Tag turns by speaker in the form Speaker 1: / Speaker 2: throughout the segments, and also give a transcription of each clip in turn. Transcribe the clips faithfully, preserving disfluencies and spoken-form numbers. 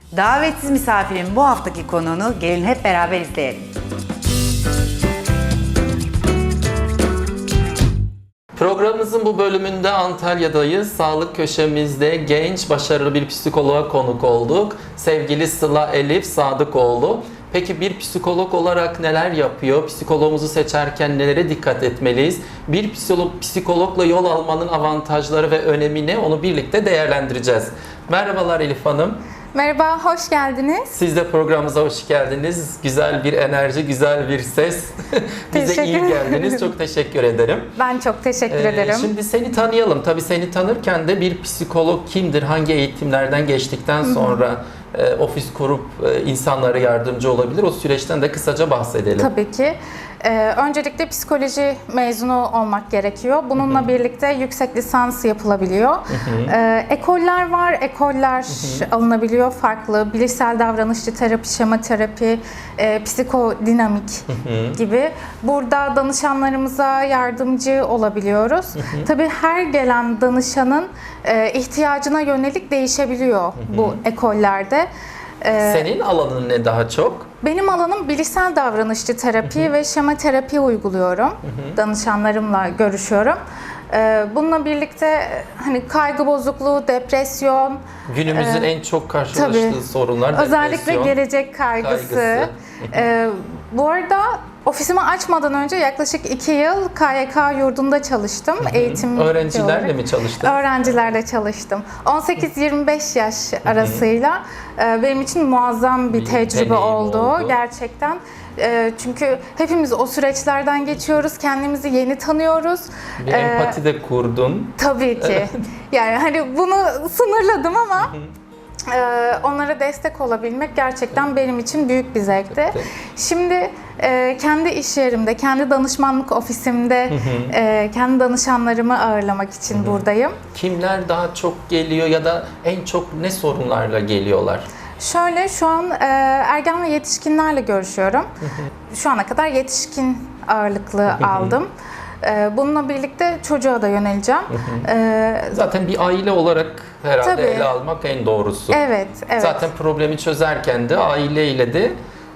Speaker 1: Davetsiz misafirin bu haftaki konuğunu gelin hep beraber izleyelim.
Speaker 2: Programımızın bu bölümünde Antalya'dayız. Sağlık köşemizde genç, başarılı bir psikoloğa konuk olduk. Sevgili Sıla Elif Sadıkoğlu. Peki bir psikolog olarak neler yapıyor? Psikologumuzu seçerken nelere dikkat etmeliyiz? Bir psikolog, psikologla yol almanın avantajları ve önemi ne? Onu birlikte değerlendireceğiz. Merhabalar Elif Hanım.
Speaker 3: Merhaba, hoş geldiniz.
Speaker 2: Siz de programımıza hoş geldiniz. Güzel bir enerji, güzel bir ses. Bize
Speaker 3: Teşekkür
Speaker 2: iyi geldiniz.
Speaker 3: ederim.
Speaker 2: Çok teşekkür ederim.
Speaker 3: Ben çok teşekkür
Speaker 2: Ee,
Speaker 3: ederim.
Speaker 2: Şimdi seni tanıyalım. Tabii seni tanırken de bir psikolog kimdir, hangi eğitimlerden geçtikten sonra e, ofis kurup e, insanlara yardımcı olabilir? O süreçten de kısaca bahsedelim.
Speaker 3: Tabii ki. Ee, öncelikle psikoloji mezunu olmak gerekiyor. Bununla
Speaker 2: Hı-hı.
Speaker 3: birlikte yüksek lisans yapılabiliyor.
Speaker 2: Hı-hı.
Speaker 3: Ee, ekoller var, ekoller Hı-hı. alınabiliyor farklı. Bilişsel davranışçı terapi, şema terapi, e, psikodinamik Hı-hı. gibi. Burada danışanlarımıza yardımcı olabiliyoruz. Hı-hı. Tabii her gelen danışanın e, ihtiyacına yönelik değişebiliyor Hı-hı. bu ekollerde. Ee,
Speaker 2: Senin alanın ne daha çok?
Speaker 3: Benim alanım bilişsel davranışçı terapi hı hı. ve şema terapi uyguluyorum. Hı hı. Danışanlarımla görüşüyorum. Ee, bununla birlikte hani kaygı bozukluğu, depresyon.
Speaker 2: Günümüzün
Speaker 3: e,
Speaker 2: en çok karşılaştığı
Speaker 3: tabii,
Speaker 2: sorunlar
Speaker 3: özellikle
Speaker 2: depresyon.
Speaker 3: gelecek kaygısı.
Speaker 2: kaygısı.
Speaker 3: ee, bu arada ofisimi açmadan önce yaklaşık iki yıl K Y K yurdunda çalıştım.
Speaker 2: Hı hı.
Speaker 3: Eğitim
Speaker 2: Öğrencilerle
Speaker 3: olarak.
Speaker 2: mi çalıştın?
Speaker 3: Öğrencilerle çalıştım. on sekiz yirmi beş yaş arasıyla e, benim için muazzam bir,
Speaker 2: Bir
Speaker 3: tecrübe
Speaker 2: deneyim
Speaker 3: oldu.
Speaker 2: oldu.
Speaker 3: Gerçekten. E, çünkü hepimiz o süreçlerden geçiyoruz. Kendimizi yeni tanıyoruz.
Speaker 2: Bir
Speaker 3: E,
Speaker 2: empati de kurdun.
Speaker 3: Tabii ki. Yani hani bunu sınırladım ama Ee, onlara destek olabilmek gerçekten benim için büyük bir zevkti.
Speaker 2: Evet.
Speaker 3: Şimdi e, kendi iş yerimde, kendi danışmanlık ofisimde e, kendi danışanlarımı ağırlamak için
Speaker 2: Hı hı.
Speaker 3: buradayım.
Speaker 2: Kimler daha çok geliyor ya da en çok ne sorunlarla geliyorlar?
Speaker 3: Şöyle şu an e, ergen ve yetişkinlerle görüşüyorum. Hı hı. Şu ana kadar yetişkin ağırlıklı
Speaker 2: Hı hı.
Speaker 3: aldım. E, bununla birlikte çocuğa da yöneleceğim.
Speaker 2: Hı hı.
Speaker 3: E,
Speaker 2: Zaten bir aile olarak herhalde
Speaker 3: Tabii.
Speaker 2: ele almak en doğrusu.
Speaker 3: evet, evet.
Speaker 2: Zaten problemi çözerken de aileyle de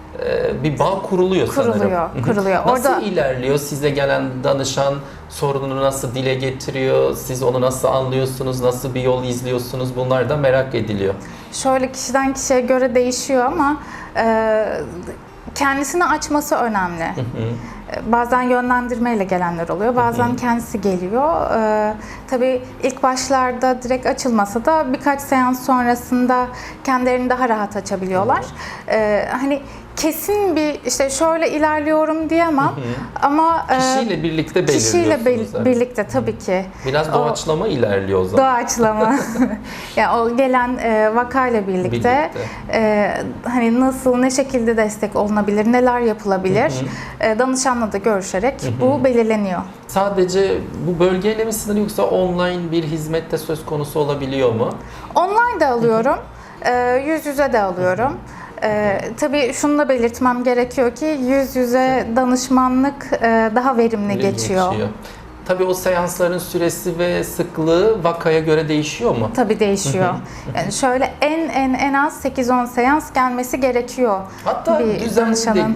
Speaker 2: e, bir bağ kuruluyor,
Speaker 3: Kuruluyor,
Speaker 2: sanırım.
Speaker 3: kuruluyor.
Speaker 2: Nasıl
Speaker 3: Orada
Speaker 2: ilerliyor? Size gelen danışan sorununu nasıl dile getiriyor? Siz onu nasıl anlıyorsunuz? Nasıl bir yol izliyorsunuz? Bunlar da merak ediliyor.
Speaker 3: şöyle kişiden kişiye göre değişiyor ama e, kendisini açması önemli.
Speaker 2: Hı hı.
Speaker 3: Bazen yönlendirmeyle gelenler oluyor, bazen
Speaker 2: Hı hı.
Speaker 3: kendisi geliyor. Ee, tabii ilk başlarda direkt açılmasa da birkaç seans sonrasında kendilerini daha rahat açabiliyorlar. Ee, hani kesin bir işte şöyle ilerliyorum diyemem
Speaker 2: Hı hı.
Speaker 3: ama e,
Speaker 2: Kişiyle birlikte
Speaker 3: kişiyle
Speaker 2: belirliyorsunuz.
Speaker 3: be-
Speaker 2: yani.
Speaker 3: birlikte tabii ki.
Speaker 2: Biraz doğaçlama ilerliyor o zaman.
Speaker 3: Doğaçlama. Yani o gelen e, vakayla birlikte,
Speaker 2: Birlikte.
Speaker 3: E, hani nasıl, ne şekilde destek olunabilir, neler yapılabilir,
Speaker 2: Hı
Speaker 3: e, danışanla da görüşerek
Speaker 2: Hı hı.
Speaker 3: bu belirleniyor.
Speaker 2: Sadece bu bölgeyle mi sınırlı yoksa online bir hizmette söz konusu olabiliyor mu?
Speaker 3: Online de alıyorum, e, yüz yüze de alıyorum. E, tabii şunu da belirtmem gerekiyor ki yüz yüze danışmanlık e, daha verimli geçiyor.
Speaker 2: Tabii o seansların süresi ve sıklığı vakaya göre değişiyor mu?
Speaker 3: Tabii değişiyor. Yani şöyle en en en az sekiz on seans gelmesi gerekiyor.
Speaker 2: Hatta
Speaker 3: bir
Speaker 2: düzenli de
Speaker 3: danışanın.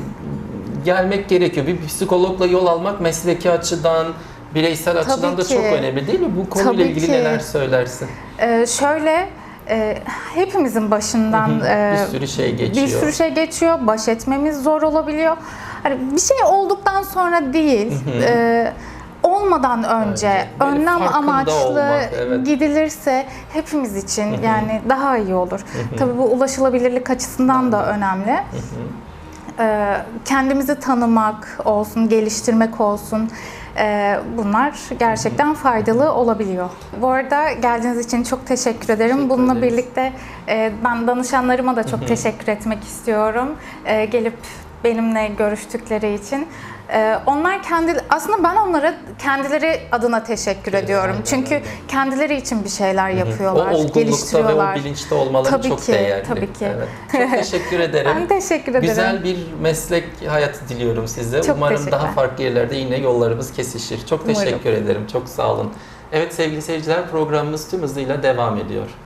Speaker 2: gelmek gerekiyor. Bir psikologla yol almak mesleki açıdan, bireysel açıdan da
Speaker 3: ki.
Speaker 2: çok önemli değil mi? Bu konuyla
Speaker 3: Tabii
Speaker 2: ilgili
Speaker 3: ki.
Speaker 2: neler söylersin?
Speaker 3: Ee, şöyle e, hepimizin başından
Speaker 2: Hı hı.
Speaker 3: e,
Speaker 2: Bir sürü şey geçiyor.
Speaker 3: Bir sürü şey geçiyor. Baş etmemiz zor olabiliyor. Hani bir şey olduktan sonra değil.
Speaker 2: Hı hı.
Speaker 3: e, olmadan önce
Speaker 2: Önce, böyle
Speaker 3: önlem
Speaker 2: farkında
Speaker 3: amaçlı
Speaker 2: olmak, evet.
Speaker 3: gidilirse hepimiz için
Speaker 2: Hı hı.
Speaker 3: yani daha iyi olur.
Speaker 2: Hı hı.
Speaker 3: Tabii bu ulaşılabilirlik açısından da önemli.
Speaker 2: Hı hı.
Speaker 3: Ee, kendimizi tanımak olsun, geliştirmek olsun. Ee, bunlar gerçekten faydalı olabiliyor. Bu arada geldiğiniz için çok teşekkür ederim.
Speaker 2: Teşekkür
Speaker 3: Bununla
Speaker 2: ederiz.
Speaker 3: birlikte e, ben danışanlarıma da çok
Speaker 2: Hı hı.
Speaker 3: teşekkür etmek istiyorum. Ee, gelip benimle görüştükleri için. Ee, onlar kendi aslında ben onlara kendileri adına teşekkür
Speaker 2: Evet,
Speaker 3: ediyorum.
Speaker 2: aynen
Speaker 3: Çünkü
Speaker 2: öyle.
Speaker 3: kendileri için bir şeyler yapıyorlar,
Speaker 2: O olgunlukta
Speaker 3: geliştiriyorlar.
Speaker 2: ve o bilinçte olmaları
Speaker 3: Tabii
Speaker 2: çok
Speaker 3: ki,
Speaker 2: değerli.
Speaker 3: tabii ki.
Speaker 2: Evet. Çok teşekkür ederim.
Speaker 3: Ben teşekkür ederim.
Speaker 2: Güzel bir meslek hayatı diliyorum size.
Speaker 3: Çok
Speaker 2: Umarım
Speaker 3: teşekkürler.
Speaker 2: daha farklı yerlerde yine yollarımız kesişir. Çok
Speaker 3: Umarım.
Speaker 2: teşekkür ederim. Çok sağ olun. Evet sevgili seyirciler, programımız tüm hızıyla devam ediyor.